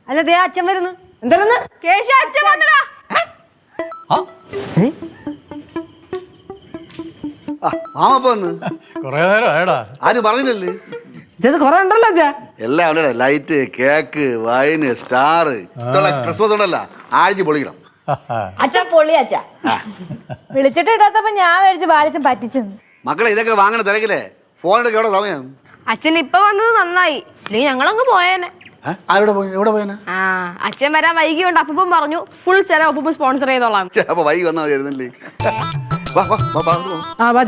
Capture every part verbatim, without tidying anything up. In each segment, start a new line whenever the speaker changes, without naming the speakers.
അല്ല ദേ അച്ഛൻ വരുന്നു.
എന്താണെന്ന്
കേശു അച്ഛൻ വന്നടാ.
കൊറേ നേരം ആയടാ.
ആരും പറഞ്ഞില്ലല്ലേ?
ഇത് കൊറേ ഉണ്ടല്ലോ അച്ഛാ.
എല്ലാം ഉണ്ട്. Light, cake, wine, star, Christmas ഉണ്ടല്ലോ, ആഴ്ച പൊളിക്കണം.
അച്ഛൻ പൊള്ളി അച്ഛാ. വിളിച്ചിട്ട് ഇടാത്തപ്പോ ഞാൻ മേടിച്ച് ബാലിച്ചും പറ്റിച്ചെന്ന്.
മക്കളെ ഇതൊക്കെ വാങ്ങണ തിരക്കില്ലേ? ഫോണിലൊക്കെ എവിടെ സമയം?
അച്ഛൻ ഇപ്പൊ വന്നത് നന്നായി, ഇല്ലെങ്കിൽ ഞങ്ങളങ്ങ് പോയേനെ.
ആരോടെ പോയി? എവിടെ പോയനാ?
ആ അച്ഛൻ വരാൻ വൈകിയുണ്ട്. അപ്പം പറഞ്ഞു ഫുൾ ചില ഒപ്പം സ്പോൺസർ ചെയ്തോളാം.
അപ്പൊ വൈകി വന്നാൽ മതിയായിരുന്നല്ലേ?
ആ ബാജ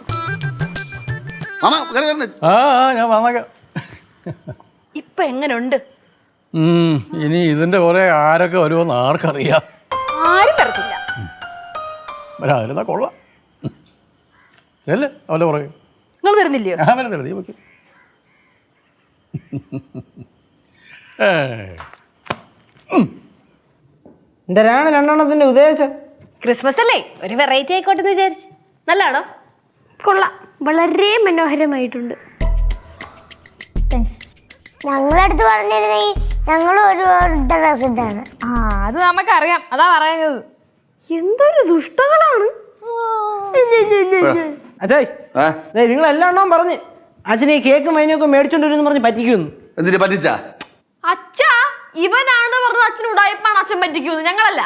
ആ ഞാൻ വന്നേക്കാം.
ഇപ്പൊ എങ്ങനുണ്ട്?
ഇനി ഇതിന്റെ കുറെ ആരൊക്കെ വരുമെന്ന് ആർക്കറിയാം.
ആരും വരത്തില്ല.
വരാതിരുന്നാ കൊള്ളാം. ചെല്ല് അവന്റെ പുറകെ.
നിങ്ങൾ വരുന്നില്ലയോ?
ഞാൻ വരുന്നില്ല, നീ വെക്കും.
എന്തരാണ് രണ്ടെണ്ണത്തിന്റെ ഉദ്ദേശം?
ക്രിസ്മസ് അല്ലേ, ഒരു വെറൈറ്റി ആയിക്കോട്ടെ എന്ന് വിചാരിച്ചു. നല്ലാണോ? കൊള്ളാം, വളരെ മനോഹരമായിട്ടുണ്ട്.
ഞങ്ങളടുത്ത് പറഞ്ഞിരുന്നെങ്കിൽ ഞങ്ങൾ ഒരു ഡ്രസ് ഇട്ടാണ്.
ആ അത് നമുക്കറിയാം, അതാ പറയുന്നത്. എന്തൊരു ദുഷ്ടകളാണ്.
അച്ഛാ നിങ്ങൾ എല്ലാം എണ്ണം പറഞ്ഞ് അച്ഛനെ ഈ കേക്കും വൈനൊക്കെ മേടിച്ചോണ്ട് വരുമെന്ന് പറഞ്ഞ് പറ്റിക്കുന്നു.
എന്തിനു പറ്റിച്ചാ?
അച്ഛാ ഇവനാണ് പറഞ്ഞത് അച്ഛൻ ഉടായിപ്പാണ് അച്ഛൻ പറ്റിക്കുന്നു, ഞങ്ങളല്ല.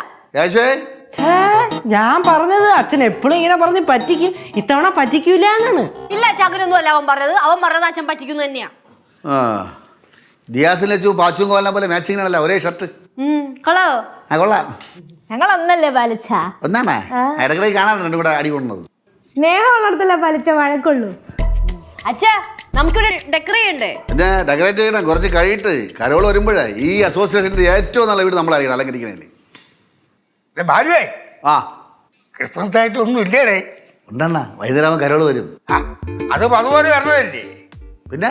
ഞാൻ പറഞ്ഞത് അച്ഛൻ എപ്പോഴും ഇങ്ങനെ പറഞ്ഞ് പറ്റിക്കും, ഇത്തവണ പറ്റിക്കൂല എന്നാണ്.
ഇല്ല ചകരൊന്നും അല്ല അവൻ പറഞ്ഞത്. അവൻ പറഞ്ഞത് അച്ഛൻ പറ്റിക്കുന്നു തന്നെയാ.
ദിയാസിനെ പാച്ചും കോലിനെ പോലെ മാച്ചിങ് ആണല്ലോ, ഒരേ ഷർട്ട്.
കൊള്ളാവോ?
ആ കൊള്ളാം.
ഞങ്ങൾ ഒന്നല്ലേ പാലിച്ച?
ഒന്നാണേ ഇടക്കിടക്ക് കാണാൻ രണ്ടും കൂടെ അടി കൊണ്ടത്.
സ്നേഹം ഉള്ളിടത്തല്ല പാലിച്ച വഴക്കുള്ളൂ. അച്ഛാ നമുക്കിവിടെ ഡെക്കറേറ്റ് ചെയ്യണ്ടേ?
പിന്നെ ഡെക്കറേറ്റ് ചെയ്യണം, കുറച്ച് കഴിയിട്ട് കരോള് വരുമ്പോഴേ ഈ അസോസിയേഷന്റെ ഏറ്റവും നല്ല വീട് നമ്മളായിരിക്കണം അലങ്കരിക്കണേ.
ഭാര്യേ
ആ
ക്രിസ്മസ് ആയിട്ട് ഒന്നും ഇല്ലേടേ?
ഉണ്ടെണ്ണ വൈകുന്നേരം കരോള് വരും.
അത് അതുപോലെ വരണതല്ലേ?
പിന്നെ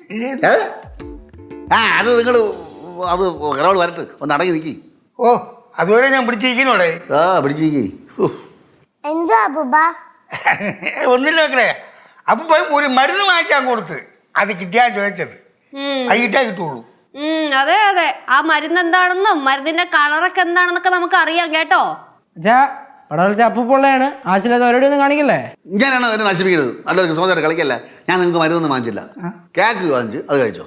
ആ അത് നിങ്ങൾ അത് കരോള് വരട്ട്, ഒന്ന് അടങ്ങി നിൽക്കി.
ഓ അതുവരെ ഞാൻ പിടിച്ചിരിക്കണോടെ.
ആ പിടിച്ചിരിക്കി.
എന്തോ അപ്പൂപ്പ?
ഒന്നില്ല വെക്കണേ. അപ്പൊ പോയി ഒരു മരുന്ന് വാങ്ങിക്കാൻ കൊടുത്ത് അത് കിട്ടിയാ ചോദിച്ചത്. അത് കിട്ടാ കിട്ടുള്ളൂ.
അതെ അതെ, ആ മരുന്ന് എന്താണെന്നും മരുന്നിന്റെ കളറൊക്കെ എന്താണെന്നൊക്കെ നമുക്ക് അറിയാം കേട്ടോ.
അച്ഛാ പടവലത്തെ അപ്പൂപ്പൊള്ളയാണ്, ആവശ്യമില്ലാത്ത അവരോട് ഒന്നും കാണിക്കല്ലേ.
ഞാനാണ് എന്നെ നശിപ്പിക്കുന്നത്. നല്ലൊരു ക്രിസ്മസ് കളിക്കല്ല. ഞാൻ നിങ്ങൾക്ക് മരുന്നൊന്നും വാങ്ങിച്ചില്ല. കേക്ക് വാങ്ങിച്ച് അത് കഴിച്ചോ.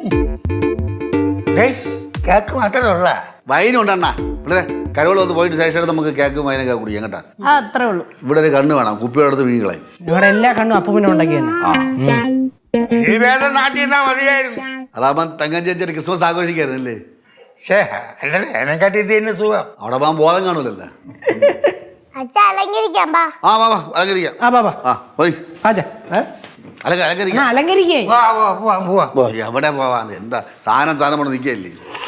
കേക്ക് മാത്രമേ ഉള്ള
വൈനും ഉണ്ടെണ്ണ. ഇവിടെ കരോള് വന്ന് പോയിട്ട് ശേഷം നമുക്ക് കേക്ക് വൈനൊക്കെ കുടിക്കാം കേട്ടാ.
അത്രേ ഉള്ളൂ.
ഇവിടെ ഒരു കണ്ണ് വേണം, കുപ്പിയുടെ അടുത്ത് വീങ്ങളെ.
ഞങ്ങളുടെ എല്ലാ കണ്ണും അപ്പൂപ്പിനെ ഉണ്ടാക്കി തന്നെ.
ഈ വേദം നാട്ടിൽ നിന്നാ മതിയായിരുന്നു.
അതാകുമ്പോ തങ്കം ചേച്ചി ക്രിസ്മസ് ആഘോഷിക്കായിരുന്നല്ലേ?
ശേ അല്ലേ എന്നെക്കാട്ടി ഇത് തന്നെ സുഖം.
അവിടെ പോകാൻ ബോധം കാണൂലല്ലോ.
അച്ഛ അലങ്കരിക്കാം. ബാ
ആ വാ വാ അലങ്കരിക്കാം.
ആ ബാബാ
ആ പോയി അലങ്ക അലങ്കരിക്കാം.
അലങ്കരിക്കേ
എവിടെ പോവാ? എന്താ സാധനം സാധനം കൊണ്ട് നിൽക്കല്ലേ?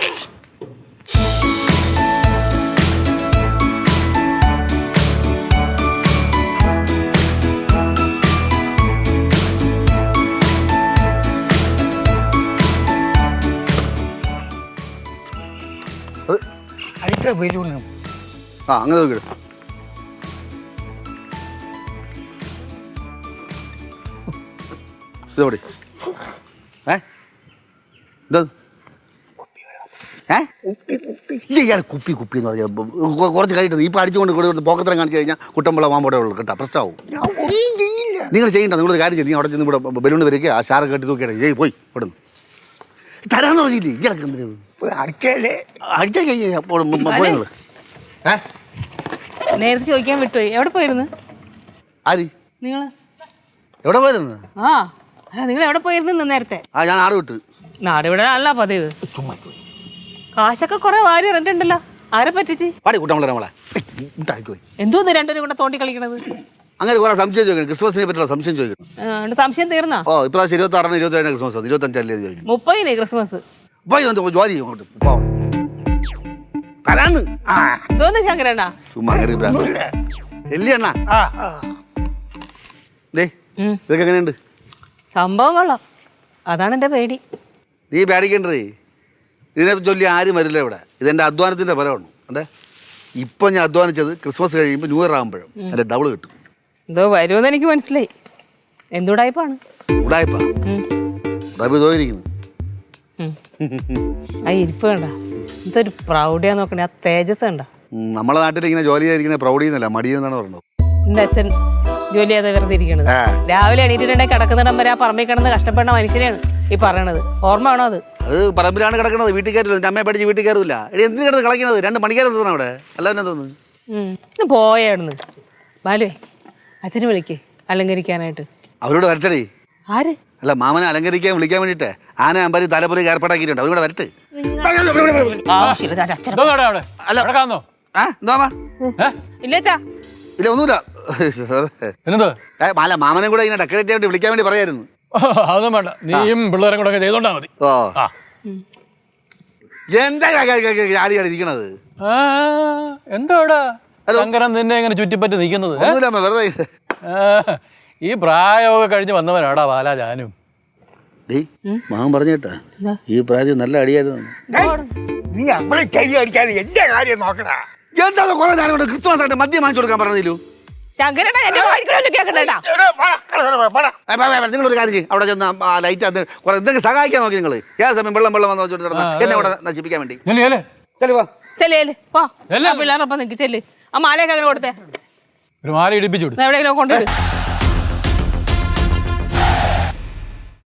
അടുത്ത ബലൂണ്
ആ അങ്ങനെ നോക്കി. ഇതോടെ ഏ എന്താ ഏ ഇയാൾ കുപ്പി കുപ്പി എന്ന് പറഞ്ഞാൽ കുറച്ച് കഴിയിട്ട് ഇപ്പം അടിച്ചുകൊണ്ട് കൂടെ പോക്കത്തരം കാണിച്ചു കഴിഞ്ഞാൽ കുട്ടമ്പള മാമ്പോടെ ഉള്ളു കേട്ടോ, പ്രശ്നമാവും. നിങ്ങൾ ചെയ്യണ്ട. നിങ്ങളൊരു കാര്യം ചെയ്യും, അവിടെ ചെന്ന് ഇവിടെ ബലൂണ് വരയ്ക്കുക, ആ ഷാറ് കെട്ടി നോക്കിയാണ് ഏയ് പോയി ഇവിടെ നിന്ന് തരാന്ന് പറഞ്ഞില്ലേ? ഇയാൾക്ക് എന്തിനാണ്
അടിച്ചല്ലേ?
അടിച്ചാൽ പോയി നിങ്ങൾ ഏ
നേരത്തെ ചോദിക്കാൻ വിട്ടുപോയി. എവിടെ പോയിരുന്നു
ആര്?
നിങ്ങള്
എവിടെ പോയിരുന്നു?
ആ അല്ല നിങ്ങൾ എവിടെ പോയിരുന്നു നേരത്തെ?
ആ ഞാൻ നാട് വിട്ട്.
നാട് ഇവിടെ അല്ല പതിവ്. കാശൊക്കെ കുറെ വാരി ഇറങ്ങിട്ടുണ്ടല്ലോ. ആരെ പറ്റിച്ച്?
പാടി കുട്ടമ്പള നമ്മളെ ഉണ്ടാക്കിപ്പോയി.
എന്തോന്ന് രണ്ടുപേരും കൂടെ തോണ്ടി കളിക്കണത്?
അങ്ങനെ കുറെ സംശയം ചോദിക്കണം, ക്രിസ്മസിനെ പറ്റിയുള്ള സംശയം ചോദിക്കണം.
സംശയം തീർന്നാ?
ഓ ഇപ്രാവശ്യം ഇരുപത്തി ആറിന് ഇരുപത്തി ഏഴിന് ക്രിസ്മസ്, ഇരുപത്തഞ്ചല്ലേ ചോദിക്കണം.
മുപ്പതിന് ക്രിസ്മസ്
ജോലി അങ്ങോട്ട് തരാന്ന്
എന്തോന്ന് ശങ്കരണ്ണ
ചുമ്മാ എല്ലിയണ്ണ. ഇതൊക്കെ എങ്ങനെയുണ്ട്
സംഭവം? കൊള്ളാം. അതാണ് എന്റെ പേടി.
നീ പേടിക്കേണ്ടതേ, ഇതിനെ ചൊല്ലി ആരും വരില്ല ഇവിടെ. ഇതെന്റെ അധ്വാനത്തിന്റെ ഫലമാണ്. അതെ ഇപ്പൊ ഞാൻ അധ്വാനിച്ചത് ക്രിസ്മസ് കഴിയുമ്പോൾ ന്യൂ ഇയർ ആകുമ്പോഴും അതിന്റെ ഡബിൾ കിട്ടും.
എന്തോ വരുമെന്ന് എനിക്ക് മനസ്സിലായി. എന്തുടായ്പാണ്?
ഉടായ്പാ ഉടായ്പ തോന്നിയിരിക്കുന്നു.
ആ ഇരിപ്പ് കണ്ട
എന്തൊരു പ്രൗഢിയാന്ന് നോക്കണേ, ആ തേജസ് കണ്ട.
ഉം, നമ്മളെ നാട്ടിൽ ഇങ്ങനെ ജോലി ചെയ്തിരിക്കുന്ന പ്രൗഢിയെന്നല്ല മടിയെന്നാണ് പറയുന്നത്.
എൻ്റെ അച്ഛൻ ജോലി ചെയ്താൽ വെറുതെ ഇരിക്കണത്. രാവിലെ എണീറ്റിട്ടുണ്ടെങ്കിൽ കിടക്കുന്നിടം വരെ ആ പറമ്പിൽ കിടന്ന് കഷ്ടപ്പെടുന്ന മനുഷ്യനെയാണ് ഈ പറയണത്. ഓർമ്മ വേണോ അത്?
അത് പറമ്പിലാണ് കിടക്കുന്നത്, വീട്ടിൽ കയറില്ല. എൻ്റെ അമ്മയെ പഠിച്ച് വീട്ടിൽ കയറില്ല. എടി എന്തിനു കിടന്ന് കളിക്കുന്നത്? രണ്ട് മണിക്കാരം തോന്നുന്നു അവിടെ. അല്ലാതെ തോന്നുന്നു
ഇന്ന് പോയായിരുന്നു. ബാലുവേ, അച്ഛന് വിളിക്കേ അലങ്കരിക്കാനായിട്ട്.
അവരോട് വരട്ടടി.
ആര്?
അല്ല, മാമനെ അലങ്കരിക്കാൻ വിളിക്കാൻ വേണ്ടിയിട്ട് ആന അമ്പരി തലപ്പൊലി ഏർപ്പാടാക്കിയിട്ടുണ്ട്. അവരോട് വരട്ടെ.
ആവശ്യമില്ല അച്ഛൻ.
ഇതോടെ അവിടെ
അല്ല.
കിടക്കാന്നോ?
ആ എന്താ
ഏ?
ഇല്ലേച്ചാ
ഇല്ല ഒന്നുമില്ല.
എന്നത്
ഏ, അല്ല, മാമനെ കൂടെ ഇങ്ങനെ ഡെക്കറേറ്റ് ചെയ്യാൻ വേണ്ടി വിളിക്കാൻ വേണ്ടി പറയായിരുന്നു.
അതൊന്നും വേണ്ട, നീയും പിള്ളേരും കൂടെ ഒക്കെ ചെയ്തോണ്ടാ മതി.
ഓ
ആ
എന്താ ആടിയാണ് ഇരിക്കണത്?
ആ, എന്താടാ ശങ്കരൻ നിന്നെ ഇങ്ങനെ ചുറ്റിപ്പറ്റി നിൽക്കുന്നത്? ഏ?
ഒന്നുമില്ല അമ്മ, വെറുതെ.
ആ, ഈ പ്രായമൊക്കെ കഴിഞ്ഞ് വന്നവനാടാ ബാല ജാനും.
ഡേയ്, മാമൻ പറഞ്ഞു കേട്ടാ, ഈ പ്രായത്തിൽ നല്ല അടിയായിരുന്നു.
നീ നമ്മളെ ചെവി അടിക്കാതെ എന്റെ കാര്യം നോക്കടാ.
എന്താ കുറെ നേരം കൊണ്ട് ക്രിസ്മസ് ആയിട്ട് മദ്യം വാങ്ങിച്ചു കൊടുക്കാൻ പറഞ്ഞില്ലു?
ശങ്കരേട്ടാ എന്റെ വായിക്കണല്ലോ കേൾക്കണ്ടേട്ടാ.
നിങ്ങളൊരു കാര്യം ചെയ്യും, അവിടെ ചെന്ന് ആ ലൈറ്റ് അത് കുറെ എന്തെങ്കിലും സഹായിക്കാൻ നോക്കി നിങ്ങൾ. ഏത് സമയം വെള്ളം വെള്ളം വന്ന് വെച്ചോട്ട് കിടന്ന് എന്നെ അവിടെ നശിപ്പിക്കാൻ വേണ്ടി.
ചെല്ലേ ചെല്ലേ
ചെല്ലു വാ.
ചെല്ലേ വാ
ചെല്ല്.
പിള്ളേരൊപ്പം നിൽക്ക് ചെല്ല്. ആ മാലയൊക്കെ അങ്ങനെ കൊടുത്തേ,
ഒരു മാല ഇടിപ്പിച്ചു വിടും.
എവിടെയെങ്കിലും കൊണ്ടുവിട്.